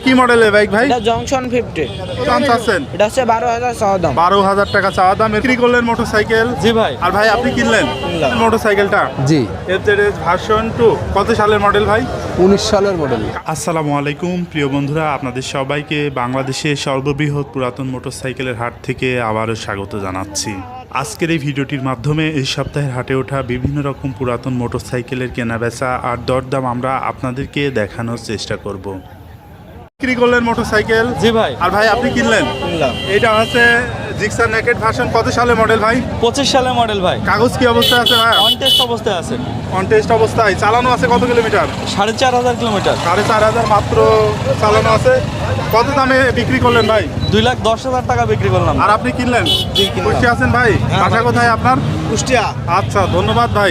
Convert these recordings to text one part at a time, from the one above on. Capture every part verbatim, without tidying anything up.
কি মডেলের বাইক ভাই? এটা জংশন ফিফটি। দাম চাচ্ছেন? এটা হচ্ছে বারো হাজার চাওয়া দাম। বারো হাজার টাকা চাওয়া দাম। বিক্রি করলেন মোটরসাইকেল? জি ভাই। আর ভাই আপনি কিনলেন মোটরসাইকেলটা? জি। এফজেডএস ভার্সন টু কত সালের মডেল ভাই? উনিশ সালের মডেল। আসসালামু আলাইকুম প্রিয় বন্ধুরা, আপনাদের সবাইকে বাংলাদেশের সর্ববৃহৎ পুরাতন মোটরসাইকেলের হাট থেকে আবারও স্বাগত জানাচ্ছি। আজকের এই ভিডিওটির মাধ্যমে এই সপ্তাহের হাটে ওঠা বিভিন্ন রকম পুরাতন মোটরসাইকেলের কেনাবেচা আর দরদাম আমরা আপনাদেরকে দেখানোর চেষ্টা করব। বিক্রি করলেন মোটরসাইকেল? জি ভাই। আর ভাই আপনি কিনলেন? কিনলাম। এটা হচ্ছে জিক্সার নেকেড ভার্সন কত সালের মডেল ভাই? পঁচিশ সালের মডেল ভাই। কাগজ কি অবস্থায় আছে ভাই? অন টেস্ট অবস্থায় আছে। অন টেস্ট অবস্থায়। চালানো আছে কত কিলোমিটার? সাড়ে চার হাজার কিলোমিটার। সাড়ে চার হাজার মাত্র চালানো আছে। কত দামে বিক্রি করলেন ভাই? দুই লাখ দশ হাজার টাকা বিক্রি করলাম। আর আপনি কিনলেন? জি, কিনলাম। খুশি আছেন ভাই? হ্যাঁ, বাসা ভাই। কোথায় আপনার? কুষ্টিয়া। আচ্ছা ধন্যবাদ ভাই।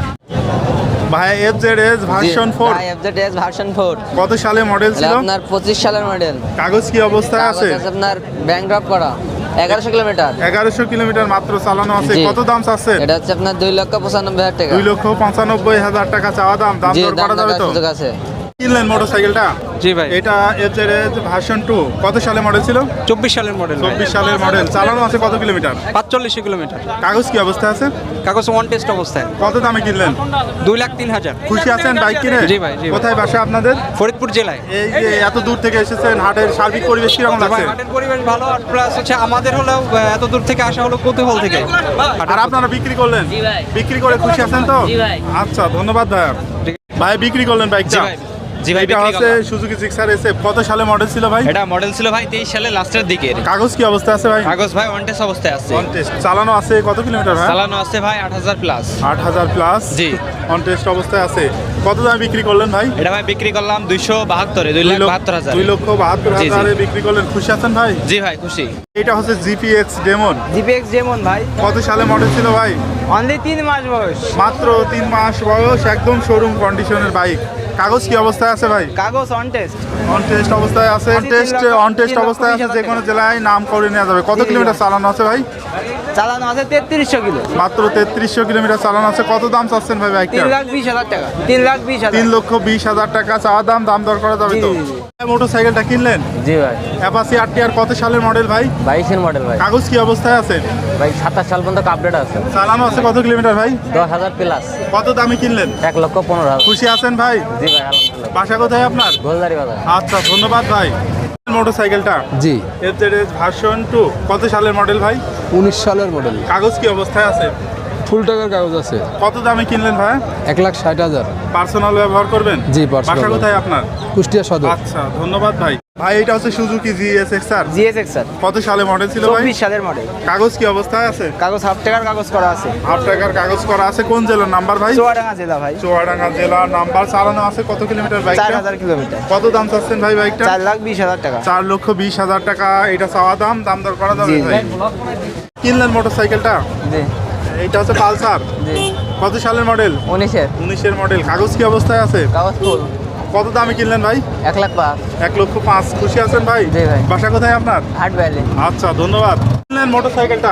ভাই FZS version four FZS version four কত সালে মডেল ছিল? আপনার পঁচিশ সালের মডেল। কাগজ কি অবস্থায় আছে? আপনার ব্যাংক ড্রপ করা এগারোশো কিলোমিটার। এগারোশো কিলোমিটার মাত্র চালানো আছে। জি। কত দাম চাচ্ছেন? এটা হচ্ছে আপনার দুই লক্ষ পঁচানব্বই হাজার টাকা। দুই লক্ষ পঁচানব্বই হাজার টাকা চাওয়া দাম। দাম জি, দর দাম করা যাবে তো? সুযোগ আছে। কিনলেন মোটরসাইকেলটা? জি ভাই। এটা এফজেডএস ভার্সন টু কত সালে মডেল ছিল? চব্বিশ সালের মডেল। চব্বিশ সালের মডেল। চালানো আছে কত কিলোমিটার? পাঁচচল্লিশ কিলোমিটার। কাগজ কি অবস্থায় আছে? কাগজ অন টেস্ট অবস্থায়। কত দামে কিনলেন? দুই লাখ তিন হাজার। খুশি আছেন বাইক কিনে? জি ভাই, জি ভাই। কোথায় বাসা আপনাদের? ফরিদপুর জেলায়। এই যে এত দূর থেকে এসেছেন, হাটের সার্বিক পরিবেশ কিরকম ভাই লাগছে? হাটের পরিবেশ ভালো, আর প্লাস হচ্ছে আমাদের হলেও আহ, এত দূর থেকে আসা হলো কৌতূহল থেকে। আর আপনারা বিক্রি করলেন? বিক্রি করে খুশি আছেন তো? আচ্ছা ধন্যবাদ ভাই। ভাই বিক্রি করলেন বাইকটা? জি ভাই, এটা বিক্রি হচ্ছে করলাম। সুজুকি জিক্সার এসএফ কত সালে মডেল ছিল ভাই? এটা মডেল ছিল ভাই তেইশ সালে লাস্টের দিকে। কাগজ কি অবস্থা আছে ভাই? কাগজ ভাই অন টেস্ট অবস্থায় আছে। On test. চালানো আছে কত কিলোমিটার ভাই? চালানো আছে ভাই আট হাজার প্লাস। আট হাজার প্লাস। জি। অন টেস্ট অবস্থায় আছে। কত দামে বিক্রি করলেন ভাই? এটা ভাই বিক্রি করলাম দুইশো বাহাত্তরে, দুই লাখ বাহাত্তর হাজার। দুই লক্ষ বাহাত্তর জি, জি। হাজারে বিক্রি করলেন। খুশি আছেন ভাই? জি ভাই খুশি। এটা হচ্ছে জিপিএক্স ডেমন জিপিএক্স যেমন ভাই, কত সালে মডেল ছিল ভাই? অনলি তিন মাস বয়স। মাত্র তিন মাস বয়স, একদম শোরুম কন্ডিশনের বাইক। কাগজ কি অবস্থায় আছে ভাই? কাগজ অন টেস্ট। অন টেস্ট অবস্থায় আছে। তিন টেস্ট লক্ষ- অন টেস্ট তিন লক্ষ অবস্থায় বিশ আছে, হাজার যে কোনো জেলায় নাম করে নেওয়া যাবে। কত জি, কিলোমিটার জি। চালানো আছে ভাই? চালানো আছে তেত্রিশশো কিলো। মাত্র তেত্রিশশো কিলোমিটার চালানো আছে। কত দাম চাচ্ছেন ভাই বাইকটা? তিন লাখ বিশ হাজার টাকা। তিন লাখ বিশ হাজার। তিন লক্ষ বিশ হাজার টাকা চাওয়া দাম। দাম দর করা যাবে জি, তো? জি, জি। মোটরসাইকেলটা কিনলেন? জি ভাই। অ্যাপাচি আর টি আর কত সালের মডেল ভাই? বাইশের মডেল ভাই। কাগজ কি অবস্থায় আছে? ভাই সাতাশ সাল পর্যন্ত আপডেট আছে। চালানো আছে কত কিলোমিটার ভাই? দশ হাজার প্লাস। কত দামে কিনলেন? এক লক্ষ পনেরো হাজার। খুশি আছেন ভাই? জি ভাই আলহামদুলিল্লাহ। বাসা কোথায় আপনার? গোলদারি বাজার। আচ্ছা ধন্যবাদ ভাই। মোটরসাইকেলটা জি। এফজেডএস ভার্সন টু কত সালের মডেল ভাই? উনিশ সালের মডেল। কাগজ কি অবস্থায় আছে? ফুল টাকার কাগজ আছে। কত দামে কিনলেন ভাই? এক লাখ ষাট হাজার। পার্সোনাল ব্যবহার করবেন? জি, personal বাসা কোথায় আপনার? কুষ্টিয়া সদর। আচ্ছা ধন্যবাদ ভাই। ভাই এটা হচ্ছে Suzuki GSX R GSX sir, কত সালে মডেল ছিল ভাই? চব্বিশ সালের মডেল। কাগজ কি অবস্থায় আছে? কাগজ হাফ টাকার কাগজ করা আছে। হাফ টাকার কাগজ করা আছে। কোন জেলার নাম্বার ভাই? চুয়াডাঙ্গা জেলা ভাই। চুয়াডাঙ্গা জেলার নাম্বার। চালানো আছে কত কিলোমিটার চার বাইকটা? হাজার কিলোমিটার। কত দাম চাচ্ছেন ভাই বাইকটা? চার লাখ বিশ হাজার টাকা। চার লক্ষ বিশ হাজার টাকা এটা চাওয়া দাম। দাম দর করা যাবে জি, ভাই? কিনলেন মোটরসাইকেলটা? জি এইটা হচ্ছে পালসার জি। কত সালের মডেল? উনিশের। উনিশের মডেল। কাগজ কি অবস্থায় আছে? কাগজ ফুল। কত দামে কিনলেন ভাই? এক লাখ পাঁচ। এক লক্ষ পাঁচ। খুশি আছেন ভাই? জি ভাই। বাসা কোথায় আপনার? হাট ভ্যালি। আচ্ছা ধন্যবাদ। কিনলেন মোটরসাইকেলটা?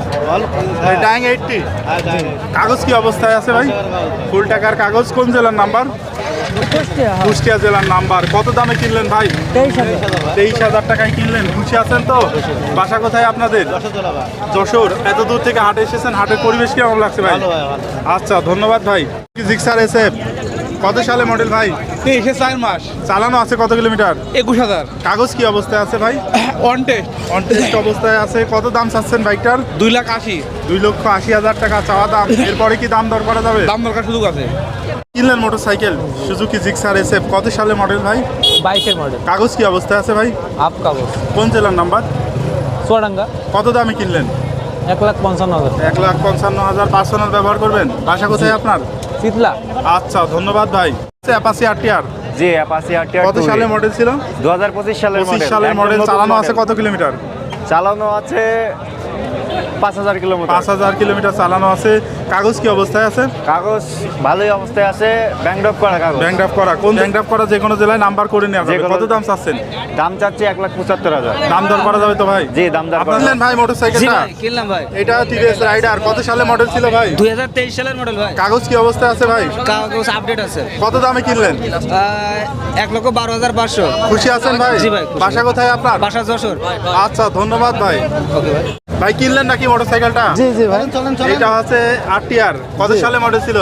Dyeing eighty. কাগজ কি অবস্থায় আছে ভাই? ফুল টাকার কাগজ। কোন জেলার নাম্বার? কুষ্টিয়া জেলার নাম্বার। কত দামে কিনলেন ভাই? তেইশ হাজার টাকায় কিনলেন। খুশি আছেন তো? বাসা কোথায় আপনাদের? যশোর। এত দূর থেকে হাটে এসেছেন, হাটের পরিবেশ কেমন লাগছে ভাই? আচ্ছা ধন্যবাদ ভাই। জিক্সার এসএফ কত সালে মডেল ভাই? তেইশে চার মাস। চালানো আছে কত কিলোমিটার? একুশ হাজার। কাগজ কি অবস্থায় আছে ভাই? On test. অন টেস্ট অবস্থায় আছে। কত দাম চাচ্ছেন বাইকটার? দুই লাখ আশি। দুই লক্ষ আশি হাজার টাকা চাওয়া দাম। এরপরে কি দাম দর করা যাবে? দাম দরকার সুযোগ আছে। কিনলেন মোটরসাইকেল সুজুকি জিক্সার এসএফ কত সালে মডেল ভাই? বাইশের মডেল। কাগজ কি অবস্থায় আছে ভাই? আপ কাগজ। কোন জেলার নাম্বার? চুয়াডাঙ্গা। কত দামে কিনলেন? এক লাখ পঞ্চান্ন হাজার। এক লাখ পঞ্চান্ন হাজার। পার্সোনাল ব্যবহার করবেন? বাসা কোথায় আপনার? শীতলা। আচ্ছা ধন্যবাদ ভাই। অ্যাপাচি আর টি আর জি অ্যাপাচি আর টি আর কত সালে মডেল ছিল? দু হাজার পঁচিশ সালের পঁচিশ মডেল। সালের একদম মডেল। নতুন চালানো আছে মডেল। কত কিলোমিটার? চালানো আছে পাঁচ হাজার কিলোমিটার। পাঁচ হাজার কিলোমিটার চালানো আছে। কাগজ কি অবস্থায় আছে? কাগজ ভালোই অবস্থায় আছে, ব্যাংক ড্রপ করা কাগজ। ব্যাংক ড্রাফট করা, কোন ব্যাংক ড্রাফট করা যে কোনো জেলায় নাম্বার করে নেওয়া যাবে। যে কোনো- কত দাম চাচ্ছেন? দাম চাচ্ছি এক লাখ পঁচাত্তর হাজার। দাম দর করা যাবে তো ভাই? জি, দাম দর করা আপনার যাবে। ভাই মোটরসাইকেলটা কিনলাম ভাই এটা টিভিএস রাইডার কত সালে মডেল ছিল ভাই? দুই হাজার তেইশ সালের মডেল ভাই। কাগজ কি অবস্থায় আছে ভাই? কাগজ আপডেট আছে। কত দামে কিনলেন? এক লক্ষ বারো হাজার পাঁচশো। খুশি আছেন ভাই? জি ভাই, খুশি। বাসা কোথায় আপনার? বাসা যশোর। আচ্ছা, ধন্যবাদ ভাই। ভাই কিনলেন নাকি মোটরসাইকেলটা? জি জি ভাই এটা হচ্ছে আরটিআর কত সালে মডেল ছিল?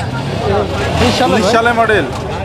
উনিশ সালে মডেল।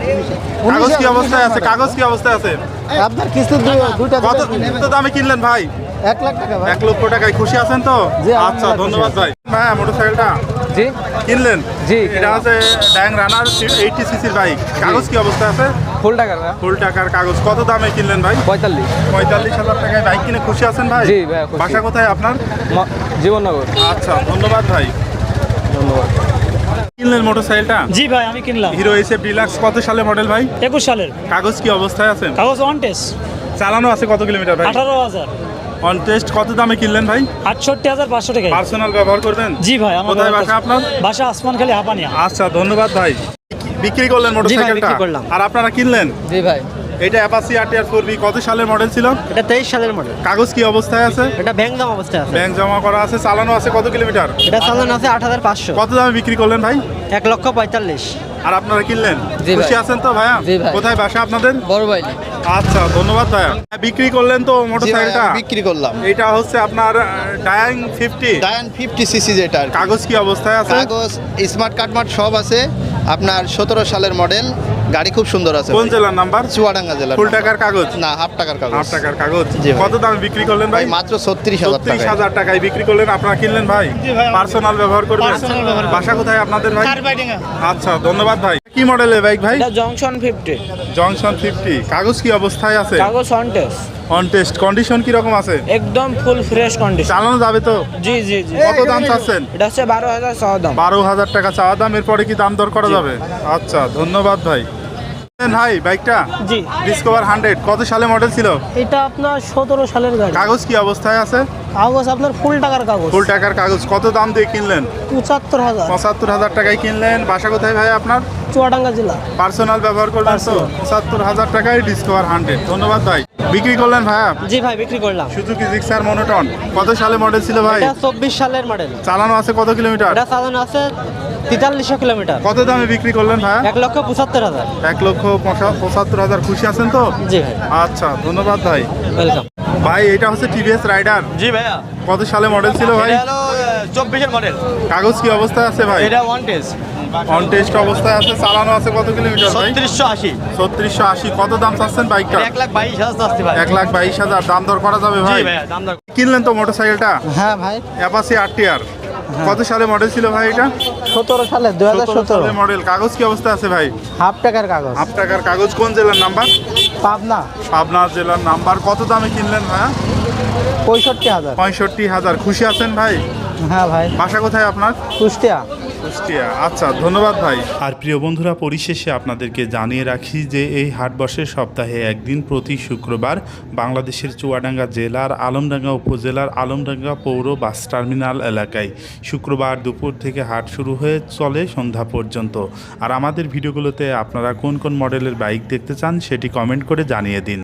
কাগজ কি অবস্থায় আছে? কাগজ কি অবস্থায় আছে? আপনার কিস্তি দুইটা কত কত দামে কিনলেন ভাই? এক লাখ টাকা ভাই। এক লক্ষ টাকায় খুশি আছেন তো? জি, আচ্ছা, আলহামদুলিল্লাহ ধন্যবাদ ভাই। হ্যাঁ, মোটরসাইকেলটা জি কিনলেন? জি, এটা হচ্ছে ড্যাং রানার এইটি সিসির বাইক। কাগজ কি অবস্থায় আছে? ফুল টাকার ভাই ফুল টাকার কাগজ। কত দামে কিনলেন ভাই? পঁয়তাল্লিশ। পঁয়তাল্লিশ হাজার টাকায় বাইক কিনে খুশি আছেন ভাই? জি ভাই, খুশি। বাসা কোথায় আপনার? ম- জীবননগর। আচ্ছা, ধন্যবাদ ভাই। ধন্যবাদ। কিনলেন মোটরসাইকেলটা? জি ভাই আমি কিনলাম হিরো এসএফ ডিলাক্স কত সালে মডেল ভাই? একুশ সালের। কাগজ কি অবস্থায় আছে? কাগজ ওয়ান টেস্ট চালানো আছে কত কিলোমিটার ভাই? আঠারো হাজার অন টেস্ট কত দামে কিনলেন ভাই? আটষট্টি হাজার পাঁচশো টাকা। পার্সোনাল ব্যবহার করবেন? জি ভাই আমার কোথায় বাসা আপনার? বাসা আসমান খালি হাপানিয়া। আচ্ছা, ধন্যবাদ ভাই। বিক্রি করলেন মোটরসাইকেলটা? বিক্রি করলাম। আর আপনারা কিনলেন? জি ভাই, এটা অ্যাপাচি আরটিআর ফোর বি কত সালের মডেল ছিল? এটা তেইশ সালের মডেল। কাগজ কি অবস্থায় আছে? এটা ব্যাংক দাম অবস্থায় আছে। ব্যাংক জমা করা আছে, চালানো আছে কত কিলোমিটার? এটা চালান আছে আট হাজার পাঁচশো। কত দামে বিক্রি করলেন ভাই? এক লক্ষ পঁয়তাল্লিশ। আর আপনারা কিনলেন? জি ভাই। খুশি আছেন তো ভাইয়া? জি ভাই। কোথায় বাসা আপনাদের? বড় ভাই। আচ্ছা, ধন্যবাদ ভাইয়া। বিক্রি করলেন তো মোটরসাইকেলটা? বিক্রি করলাম এটা হচ্ছে আপনার Dayang fifty. Dayang fifty CC যেটা আর কি। কাগজ কি অবস্থায় আছে? কাগজ স্মার্ট কার্ডমার্ট সব আছে। আপনার সতেরো সালের মডেল, গাড়ি খুব সুন্দর আছে। কোন জেলার নাম্বার? চুয়াডাঙ্গা জেলা। ফুল টাকার কাগজ? না, হাফ টাকার কাগজ। আট টাকার কাগজ। জি ভাই। কত দামে বিক্রি করলেন ভাই? ভাই মাত্র ছত্রিশ হাজার ছত্রিশ টাকা। হাজার টাকায় বিক্রি করলেন। আপনারা কিনলেন ভাই? পার্সোনাল ব্যবহার করবেন? Personal ব্যবহার করবেন। বাসা কোথায় আপনাদের ভাই? কারবাইডিঙ্গা। আচ্ছা, ধন্যবাদ ভাই। কি মডেলের বাইক ভাই? এটা জংশন ফিফটি। Junction fifty. কাগজ কি অবস্থায় আছে? কাগজ on test. On test condition কি রকম আছে? একদম ফুল ফ্রেশ কন্ডিশন। চালানো যাবে তো? জি জি জি। কত দাম চাচ্ছেন? এটা হচ্ছে বারো হাজার ছয় দাম। বারো হাজার টাকা চাওয়া দাম। এরপরে কি দাম দর করা যাবে? আচ্ছা, ধন্যবাদ ভাই। ভাই বাইকটা জি ডিসকভার হান্ড্রেড কত সালে মডেল ছিল? এটা আপনার সতেরো সালের গাড়ি। কাগজ কি অবস্থায় আছে? কাগজ আপনার ফুল টাকার কাগজ। ফুল টাকার কাগজ। কত দাম দিয়ে কিনলেন? পঁচাত্তর হাজার। পঁচাত্তর হাজার টাকায় কিনলেন। বাসা কোথায় ভাই আপনার? চুয়াডাঙ্গা জেলা। পার্সোনাল ব্যবহার করবেন তো? পঁচাত্তর হাজার টাকায় ডিসকভার হান্ড্রেড। ধন্যবাদ ভাই। বিক্রি করলেন ভাইয়া? জি ভাই বিক্রি করলাম। সুজুকি জিক্সার মনোটন কত সালে মডেল ছিল ভাই? এটা চব্বিশ সালের মডেল। চালানো আছে কত কিলোমিটার? এটা চালানো আছে তেতাল্লিশশো কিলোমিটার। কত দামে বিক্রি করলেন ভাইয়া? এক লক্ষ পঁচাত্তর হাজার। এক লক্ষ পঁচা- পঁচাত্তর হাজার। খুশি আছেন তো? জি ভাই, আচ্ছা, ধন্যবাদ ভাই। ওয়েলকাম। ভাই এটা হচ্ছে টিভিএস রাইডার জি ভাইয়া, কত সালে মডেল ছিল ভাই? হলো চব্বিশের মডেল। কাগজ কি অবস্থায় আছে ভাই? এটা ওয়ান টেস্ট, অন টেস্ট অবস্থায় আছে। চালানো আছে কত কিলোমিটার ভাই? ছত্রিশশো আশি। ছত্রিশশো আশি। কত দাম চাচ্ছেন বাইকটা? এক লাখ বাইশ হাজার আসতে ভাই। এক লাখ বাইশ হাজার। দাম দর করা যাবে জি ভাই? ভাইয়া, দাম দর। কিনলেন তো মোটরসাইকেলটা? হ্যাঁ ভাই অ্যাপাচি আরটিআর কত সালে মডেল ছিল ভাই এটা? সতেরো সালে দুই হাজার সতেরো সতেরো সালে মডেল। কাগজ কি অবস্থা আছে ভাই? হাফ টাকার কাগজ। হাফ টাকার কাগজ। কোন জেলার নাম্বার? পাবনা পাবনা জেলার নাম্বার। কত দামে কিনলেন ভাই? পঁয়ষট্টি হাজার। পঁয়ষট্টি হাজার। খুশি আছেন ভাই? হ্যাঁ ভাই বাসা কোথায় আপনার? কুষ্টিয়া। কুষ্টিয়া। আচ্ছা, ধন্যবাদ ভাই। আর প্রিয় বন্ধুরা, পরিশেষে আপনাদেরকে জানিয়ে রাখি যে এই হাট বসে সপ্তাহে একদিন প্রতি শুক্রবার বাংলাদেশের চুয়াডাঙ্গা জেলার আলমডাঙ্গা উপজেলার আলমডাঙ্গা পৌর বাস টার্মিনাল এলাকায়। শুক্রবার দুপুর থেকে হাট শুরু হয়ে চলে সন্ধ্যা পর্যন্ত। আর আমাদের ভিডিওগুলোতে আপনারা কোন কোন মডেলের বাইক দেখতে চান সেটি কমেন্ট করে জানিয়ে দিন।